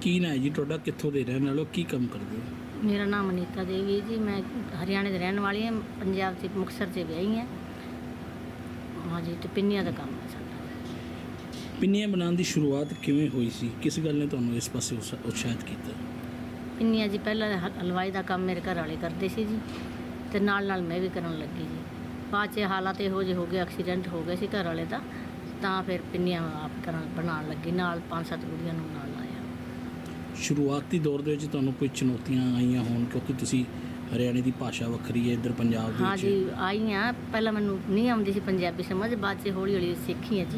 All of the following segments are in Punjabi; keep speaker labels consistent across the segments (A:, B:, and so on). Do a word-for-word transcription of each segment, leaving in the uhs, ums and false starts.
A: ਕੀ ਨਾਂ ਹੈ ਜੀ ਤੁਹਾਡਾ, ਕਿੱਥੋਂ ਦੇ ਰਹਿਣ ਵਾਲੇ ਹੋ, ਕੀ ਕੰਮ ਕਰਦੇ ਹੋ?
B: मेरा नाम अनीता देवी है जी। मैं हरियाणा की रहने वाली हूँ, पंजाब से मुक्तसर से ब्याही हैं। हाँ जी, तो पिन्नियां का काम है साਡਾ।
A: ਪਿੰਨੀਆਂ ਬਣਾਉਣ ਦੀ ਸ਼ੁਰੂਆਤ ਕਿਵੇਂ ਹੋਈ ਸੀ? ਕਿਸ ਗੱਲ ਨੇ ਤੁਹਾਨੂੰ ਇਸ ਪਾਸੇ ਉਤਸ਼ਾ- ਉਤਸ਼ਾਹਿਤ ਕੀਤਾ?
B: ਪਿੰਨੀਆਂ ਜੀ ਪਹਿਲਾਂ ਹ- ਹਲਵਾਈ ਦਾ ਕੰਮ ਮੇਰੇ ਘਰ ਵਾਲੇ ਕਰਦੇ ਸੀ ਜੀ, ਤੇ ਨਾਲ ਨਾਲ ਮੈਂ ਵੀ ਕਰਨ ਲੱਗੀ ਜੀ। ਬਾਅਦ 'ਚ ਹਾਲਾਤ ਇਹੋ ਜਿਹੇ ਹੋ ਗਏ, ਐਕਸੀਡੈਂਟ ਹੋ ਗਿਆ ਸੀ ਘਰ ਵਾਲੇ ਦਾ, ਤਾਂ ਫਿਰ ਪਿੰਨੀਆਂ ਆਪ ਕਰਨ ਬਣਾਉਣ ਲੱਗੀ, ਨਾਲ ਪੰਜ ਸੱਤ ਕੁੜੀਆਂ ਨੂੰ ਨਾਲ ਲਾਇਆ।
A: ਸ਼ੁਰੂਆਤੀ ਦੌਰ ਦੇ ਵਿੱਚ ਤੁਹਾਨੂੰ ਕੋਈ ਚੁਣੌਤੀਆਂ ਆਈਆਂ ਹੋਣ, ਕਿਉਂਕਿ ਤੁਸੀਂ ਹਰਿਆਣੇ ਦੀ ਭਾਸ਼ਾ ਵੱਖਰੀ ਹੈ, ਇੱਧਰ ਪੰਜਾਬ ਦੇ
B: ਹਾਂ
A: ਵਿੱਚ?
B: ਜੀ ਆਈਆਂ। ਪਹਿਲਾਂ ਮੈਨੂੰ ਨਹੀਂ ਆਉਂਦੀ ਸੀ ਪੰਜਾਬੀ ਸਮਝ, ਬਾਅਦ 'ਚ ਹੌਲੀ ਹੌਲੀ ਸਿੱਖੀ ਹੈ ਜੀ।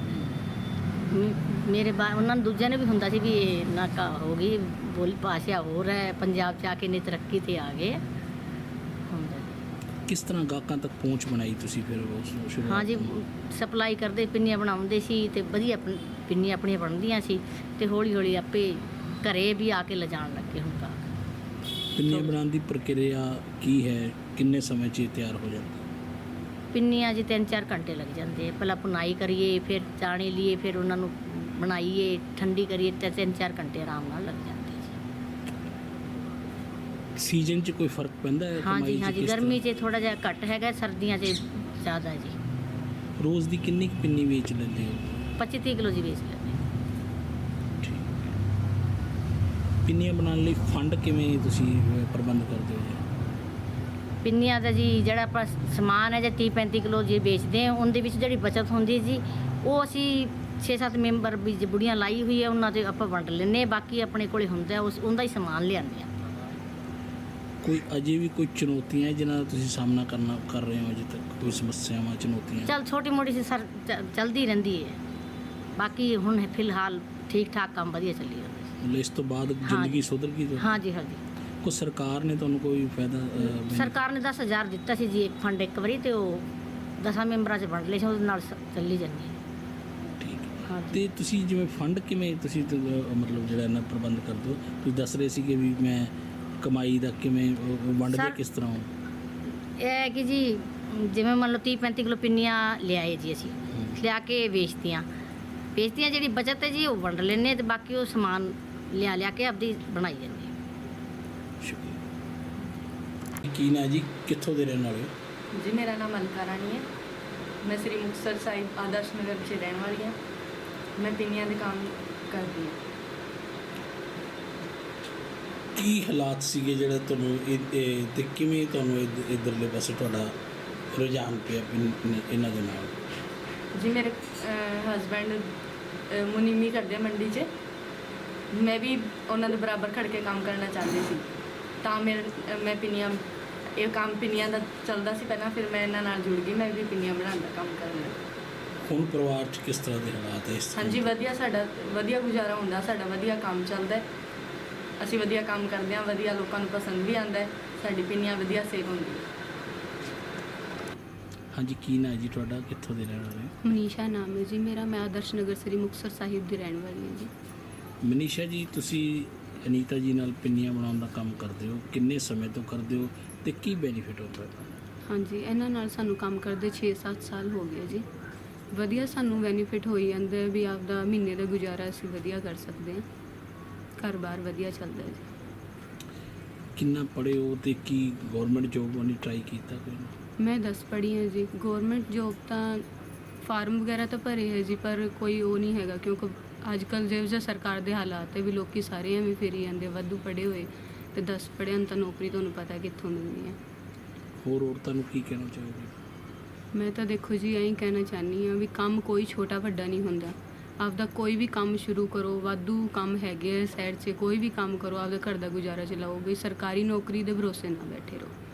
B: ਮ- ਮੇਰੇ ਬਾ ਉਹਨਾਂ ਨੂੰ ਦੂਜਿਆਂ ਨੇ ਵੀ ਹੁੰਦਾ ਸੀ ਵੀ ਇਹ ਨਾਕਾ ਹੋ ਗਈ, ਬੋਲੀ ਭਾਸ਼ਾ ਹੋਰ ਹੈ, ਪੰਜਾਬ 'ਚ ਆ ਕੇ ਇੰਨੀ ਤਰੱਕੀ 'ਤੇ ਆ ਗਏ ਹੁੰਦਾ ਜੀ।
A: ਕਿਸ ਤਰ੍ਹਾਂ ਗਾਹਕਾਂ ਤੱਕ ਪਹੁੰਚ ਬਣਾਈ ਤੁਸੀਂ ਫਿਰ ਉਸ ਸ਼ੁਰੂਆਤ
B: ਹਾਂ ਜੀ,
A: ਤੋਂ?
B: ਸਪਲਾਈ ਕਰਦੇ, ਪਿੰਨੀਆਂ ਬਣਾਉਂਦੇ ਸੀ ਤੇ ਵਧੀਆ ਪਨ- ਪਿੰਨੀਆਂ ਆਪਣੀਆਂ ਬਣਦੀਆਂ ਸੀ, ਤੇ ਹੌਲੀ ਹੌਲੀ ਆਪੇ ਘਰੇ ਵੀ ਆ ਕੇ ਲਿਜਾਣ ਲੱਗੇ ਹੁਣ ਤਾਂ।
A: ਪਿੰਨੀਆਂ ਬਣਾਉਣ ਦੀ ਪ੍ਰਕਿਰਿਆ ਕੀ ਹੈ? ਕਿੰਨੇ ਸਮੇਂ 'ਚ ਇਹ ਤਿਆਰ ਹੋ ਜਾਂਦੀ?
B: ਪਿੰਨੀਆਂ ਜੀ ਤਿੰਨ ਚਾਰ ਘੰਟੇ ਲੱਗ ਜਾਂਦੇ ਆ। ਪਹਿਲਾਂ ਭੁਨਾਈ ਕਰੀਏ, ਫਿਰ ਚਾਣੇ ਲਈਏ, ਫਿਰ ਉਹਨਾਂ ਨੂੰ ਬਣਾਈਏ, ਠੰਡੀ ਕਰੀਏ, ਤੇ ਤਿੰਨ ਚਾਰ ਘੰਟੇ ਆਰਾਮ ਨਾਲ ਲੱਗ ਜਾਂਦੇ ਜੀ।
A: ਸੀਜ਼ਨ 'ਚ ਕੋਈ ਫਰਕ ਪੈਂਦਾ ਹੈ?
B: ਹਾਂ
A: ਕਮਾਈ
B: ਜੀ
A: 'ਚ
B: ਹਾਂ ਜੀ,
A: ਕਿਸ
B: ਗਰਮੀ
A: ਤਰ੍ਹਾਂ?
B: 'ਚ ਥੋੜਾ ਜਿਹਾ ਘੱਟ ਹੈਗਾ, ਸਰਦੀਆਂ 'ਚ ਜ਼ਿਆਦਾ ਜੀ।
A: ਰੋਜ਼ ਦੀ ਕਿੰਨੀ ਕੁ ਪਿੰਨੀ ਵੇਚ ਲੈਂਦੇ ਹੋ?
B: ਪੱਚੀ ਤੀਹ ਕਿਲੋ ਜੀ ਵੇਚ ਲੈਂਦੇ।
A: ਪਿੰਨੀਆਂ ਬਣਾਉਣ ਲਈ ਫੰਡ ਕਿਵੇਂ ਤੁਸੀਂ ਅਹ, ਪ੍ਰਬੰਧ ਕਰਦੇ ਹੋ ਜੀ?
B: ਪਿੰਨੀਆਂ ਦਾ ਜੀ ਜਿਹੜਾ ਆਪਾਂ ਸਮਾਨ ਹੈ ਜੇ ਤੀਹ ਪੈਂਤੀ ਕਿਲੋ ਜੀ ਵੇਚਦੇ ਹਾਂ, ਉਹਦੇ ਵਿੱਚ ਜਿਹੜੀ ਬਚਤ ਹੁੰਦੀ ਜੀ, ਉਹ ਅਸੀਂ ਛੇ ਸੱਤ ਮੈਂਬਰ ਵੀ ਜੇ ਬੁੜੀਆਂ ਲਾਈ ਹੋਈ ਹੈ ਉਹਨਾਂ 'ਤੇ ਆਪਾਂ ਵੰਡ ਲੈਂਦੇ ਹਾਂ। ਬਾਕੀ ਆਪਣੇ ਕੋਲੇ ਹੁੰਦਾ ਉਸ ਉਹਦਾ ਹੀ ਸਮਾਨ ਲਿਆਉਂਦੇ ਹਾਂ।
A: ਕੋਈ ਅਜੇ ਵੀ ਕੋਈ ਚੁਣੌਤੀਆਂ ਹੈ ਜਿਨ੍ਹਾਂ ਦਾ ਤੁਸੀਂ ਸਾਹਮਣਾ ਕਰਨਾ ਕਰ ਰਹੇ ਹੋ ਅਜੇ ਤੱਕ? ਕੋਈ ਸਮੱਸਿਆਵਾਂ, ਚੁਣੌਤੀਆਂ?
B: ਚੱਲ ਛੋਟੀ ਮੋਟੀ ਸੀ ਸਰ ਚ- ਚੱਲਦੀ ਰਹਿੰਦੀ ਹੈ। ਬਾਕੀ ਹੁਣ ਫਿਲਹਾਲ ਠੀਕ ਠਾਕ ਕੰਮ ਵਧੀਆ ਚੱਲੀ ਜਾਂਦਾ ਜੀ।
A: ਮਤਲਬ ਇਸ ਤੋਂ ਬਾਅਦ
B: ਹਾਂ
A: ਜ਼ਿੰਦਗੀ
B: ਜੀ।
A: ਸੁਧਰ ਗਈ?
B: ਹਾਂ ਜੀ ਹਾਂ ਜੀ।
A: ਕੋਈ ਸਰਕਾਰ ਨੇ ਤੁਹਾਨੂੰ ਕੋਈ ਫਾਇਦਾ ਅਹ, benefit?
B: ਸਰਕਾਰ ਨੇ ਦਸ ਹਜ਼ਾਰ ਦਿੱਤਾ ਸੀ ਜੀ ਇੱਕ ਫੰਡ ਇੱਕ ਵਾਰੀ, ਤੇ ਉਹ ਦਸਾਂ ਮੈਂਬਰਾਂ 'ਚ ਵੰਡ ਲਏ ਸੀ, ਉਹਦੇ ਨਾਲ ਸ- ਚੱਲੀ ਜਾਂਦੀ ਹੈ।
A: ਠੀਕ ਹੈ।
B: ਹਾਂ ਜੀ।
A: ਤੇ ਤੁਸੀਂ ਜਿਵੇਂ ਫੰਡ ਕਿਵੇਂ ਤੁਸੀਂ ਤੇ, ਅਹ, ਮਤਲਬ ਜਿਹੜਾ ਇਹਨਾਂ ਪ੍ਰਬੰਧ ਕਰਦੇ ਹੋ? ਤੁਸੀਂ ਦੱਸ ਰਹੇ ਸੀਗੇ ਵੀ ਮੈਂ ਕਮਾਈ ਦਾ ਕਿਵੇਂ ਅਹ, ਵੰਡਦੇ
B: ਸਰ-
A: ਕਿਸ ਤਰ੍ਹਾਂ ਹੋ?
B: ਇਹ ਹੈ ਕਿ ਜੀ ਜਿਵੇਂ ਮੰਨ ਲਓ ਤੀਹ ਪੈਂਤੀ ਕਿਲੋ ਪਿੰਨੀਆਂ ਲਿਆਏ ਜੀ, ਅਸੀਂ
A: ਹਮ।
B: ਲਿਆ ਕੇ ਵੇਚਤੀਆਂ ਵੇਚਤੀਆਂ ਜਿਹੜੀ ਬਚਤ ਹੈ ਜੀ ਉਹ ਵੰਡ ਲੈਂਦੇ, ਤੇ ਬਾਕੀ ਉਹ ਸਮਾਨ ਲਿਆ ਲਿਆ ਕੇ ਆਪਦੀ ਬਣਾਈ ਜਾਂਦੇ।
A: ਸ਼ੁਕਰੀਆ। ਕੀ ਨਾਂ ਜੀ, ਕਿੱਥੋਂ ਦੇ ਰਹਿਣ ਵਾਲੇ ਹੋ?
C: जी मेरा नाम अलका रानी है। मैं श्री मुक्तसर साहिब आदर्श नगर से रहने वाली हाँ। मैं पिनिया के काम करती हाँ।
A: ਕੀ ਹਾਲਾਤ ਸੀਗੇ ਜਿਹੜੇ ਤੁਹਾਨੂੰ ਇਹ- ਇਹ ਤੇ ਕਿਵੇਂ ਤੁਹਾਨੂੰ ਇਧ- ਇੱਧਰਲੇ ਪਾਸੇ ਤੁਹਾਡਾ ਰੁਝਾਨ ਪਿਆ ਪਿੰਨ- ਇਹਨਾਂ ਦੇ ਨਾਲ?
C: जी मेरे हसबैंड मुनीमी करते हैं मंडी च। मैं भी उन्होंने बराबर खड़ के काम करना चाहती थी, ਤਾਂ ਮੇਰੇ ਮੈਂ ਪਿੰਨੀਆਂ ਇਹ ਕੰਮ ਪਿੰਨੀਆਂ ਦਾ ਚੱਲਦਾ ਸੀ ਪਹਿਲਾਂ, ਫਿਰ ਮੈਂ ਇਹਨਾਂ ਨਾਲ ਜੁੜ ਗਈ, ਮੈਂ ਵੀ ਪਿੰਨੀਆਂ ਬਣਾਉਣ ਦਾ ਕੰਮ ਕਰਨ ਲੱਗੀ।
A: ਹੁਣ ਪਰਿਵਾਰ 'ਚ ਕਿਸ ਤਰ੍ਹਾਂ ਦੇ ਹਾਲਾਤ ਹੈ ਇਸ time?
C: ਹਾਂਜੀ ਵਧੀਆ, ਸਾਡਾ ਵਧੀਆ ਗੁਜ਼ਾਰਾ ਹੁੰਦਾ, ਸਾਡਾ ਵਧੀਆ ਕੰਮ ਚੱਲਦਾ ਹੈ। ਅਸੀਂ ਵਧੀਆ ਕੰਮ ਕਰਦੇ ਹਾਂ, ਵਧੀਆ ਲੋਕਾਂ ਨੂੰ ਪਸੰਦ ਵੀ ਆਉਂਦਾ ਹੈ, ਸਾਡੀ ਪਿੰਨੀਆਂ ਵਧੀਆ ਸੇਲ ਹੁੰਦੀ ਹੈ।
A: ਹਾਂਜੀ, ਕੀ ਨਾਂ ਹੈ ਜੀ ਤੁਹਾਡਾ, ਕਿੱਥੋਂ ਦੇ ਰਹਿਣ ਵਾਲੇ ਹੋ?
D: ਮਨੀਸ਼ਾ ਨਾਮ ਹੈ ਜੀ ਮੇਰਾ। ਮੈਂ ਆਦਰਸ਼ ਨਗਰ ਸ੍ਰੀ ਮੁਕਤਸਰ ਸਾਹਿਬ ਦੀ ਰਹਿਣ ਵਾਲੀ ਹਾਂ ਜੀ।
A: ਮਨੀਸ਼ਾ ਜੀ, ਤੁਸੀਂ ਅਨੀਤਾ ਜੀ ਨਾਲ ਪਿੰਨੀਆਂ ਬਣਾਉਣ ਦਾ ਕੰਮ ਕਰਦੇ ਹੋ, ਕਿੰਨੇ ਸਮੇਂ ਤੋਂ ਕਰਦੇ ਹੋ ਤੇ ਕੀ ਬੈਨੀਫਿਟ ਹੁੰਦਾ ਹੈ?
D: ਹਾਂਜੀ, ਇਹਨਾਂ ਨਾਲ ਸਾਨੂੰ ਕੰਮ ਕਰਦੇ ਛੇ ਸੱਤ ਸਾਲ ਹੋ ਗਏ ਜੀ। ਵਧੀਆ ਸਾਨੂੰ ਬੈਨੀਫਿਟ ਹੋਈ ਜਾਂਦਾ ਹੈ ਵੀ ਆਪਦਾ ਮਹੀਨੇ ਦਾ ਗੁਜ਼ਾਰਾ ਅਸੀਂ ਵਧੀਆ ਕਰ ਸਕਦੇ ਹਾਂ, ਘਰ-ਬਾਰ ਵਧੀਆ ਚੱਲਦਾ ਹੈ ਜੀ।
A: ਕਿੰਨਾ ਪੜ੍ਹੇ ਹੋ ਤੇ ਕੀ ਗਵਰਨਮੈਂਟ ਜੋਬ ਵਾਲੀ ਟਰਾਈ ਕੀਤਾ ਕੋਈ?
D: ਮੈਂ ਦਸ ਪੜ੍ਹੀ ਹਾਂ ਜੀ। ਗਵਰਨਮੈਂਟ ਜੋਬ ਤਾਂ ਫਾਰਮ ਵਗੈਰਾ ਤਾਂ ਭਰੇ ਹੈ ਜੀ, ਪਰ ਕੋਈ ਉਹ ਨਹੀਂ ਹੈਗਾ, ਕਿਉਂਕਿ ਅੱਜ ਕੱਲ੍ਹ ਜਿਹੋ ਜਿਹਾ ਸਰਕਾਰ ਦੇ ਹਾਲਾਤ ਹੈ ਵੀ ਲੋਕੀ ਸਾਰੇ ਐਵੇਂ ਫਿਰੀ ਜਾਂਦੇ, ਵਾਧੂ ਪੜ੍ਹੇ ਹੋਏ ਤੇ ਦਸ ਪੜ੍ਹਿਆਂ ਨੂੰ ਤਾਂ ਨੌਕਰੀ ਤੁਹਾਨੂੰ ਪਤਾ ਕਿੱਥੋਂ ਮਿਲਣੀ ਹੈ।
A: ਹੋਰ ਔਰਤਾਂ ਨੂੰ ਕੀ ਕਹਿਣਾ ਚਾਹੋਗੇ?
D: ਮੈਂ ਤਾਂ ਦੇਖੋ ਜੀ ਐਂ ਕਹਿਣਾ ਚਾਹੁੰਦੀ ਹਾਂ ਵੀ ਕੰਮ ਕੋਈ ਛੋਟਾ ਵੱਡਾ ਨਹੀਂ ਹੁੰਦਾ। ਆਪਦਾ ਕੋਈ ਵੀ ਕੰਮ ਸ਼ੁਰੂ ਕਰੋ, ਵਾਧੂ ਕੰਮ ਹੈਗੇ ਆ ਸਾਈਡ 'ਚ, ਕੋਈ ਵੀ ਕੰਮ ਕਰੋ, ਆਪਦਾ ਘਰ ਦਾ ਗੁਜ਼ਾਰਾ ਚਲਾਓ। ਵੀ ਸਰਕਾਰੀ ਨੌਕਰੀ ਦੇ ਭਰੋਸੇ ਨਾ ਬੈਠੇ ਰਹੋ।